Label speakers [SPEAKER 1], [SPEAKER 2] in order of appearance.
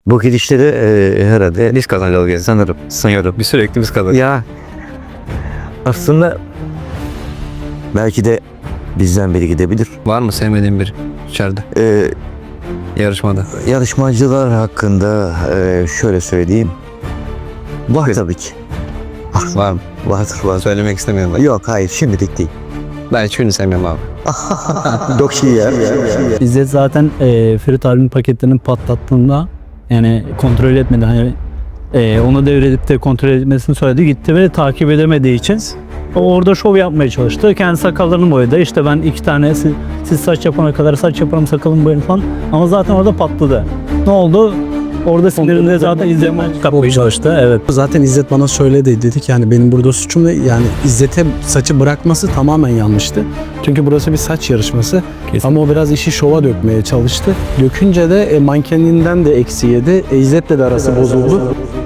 [SPEAKER 1] Bu gidişleri herhalde
[SPEAKER 2] Biz kazanacağız sanırım. Sanıyorum. Bir sürekli biz kazanacağız.
[SPEAKER 1] ya aslında belki de bizden biri gidebilir.
[SPEAKER 2] Var mı sevmediğin biri içeride
[SPEAKER 1] E,
[SPEAKER 2] yarışmada?
[SPEAKER 1] Yarışmacılar hakkında şöyle söyleyeyim. Var tabii ki.
[SPEAKER 2] Var mı?
[SPEAKER 1] Vardır.
[SPEAKER 2] Söylemek istemiyorum ben.
[SPEAKER 1] Yok hayır şimdilik değil.
[SPEAKER 2] Ben hiçbirini sevmiyorum abi.
[SPEAKER 1] Çok iyi ya.
[SPEAKER 3] İzzet zaten Ferit abinin paketlerini patlattığında yani kontrol etmedi. Hani onu devredip de kontrol etmesini söyledi. Gitti ve takip edemediği için o orada şov yapmaya çalıştı. Kendi sakallarını boyadı. İşte ben 2 tane siz saç yapana kadar saç yaparım sakalımı boyarım falan. Ama zaten orada patladı. Ne oldu? Orada sinirinde zaten İzzet kapmaya çalıştı. Evet.
[SPEAKER 4] Zaten İzzet bana söyledi, dedik yani benim burada suçum ne? Yani İzzet'e saçı bırakması tamamen yanlıştı. Çünkü burası bir saç yarışması.
[SPEAKER 3] Kesin.
[SPEAKER 4] Ama o biraz işi şova dökmeye çalıştı. Dökünce de mankeninden de eksi yedi. İzzet'le de arası bozuldu.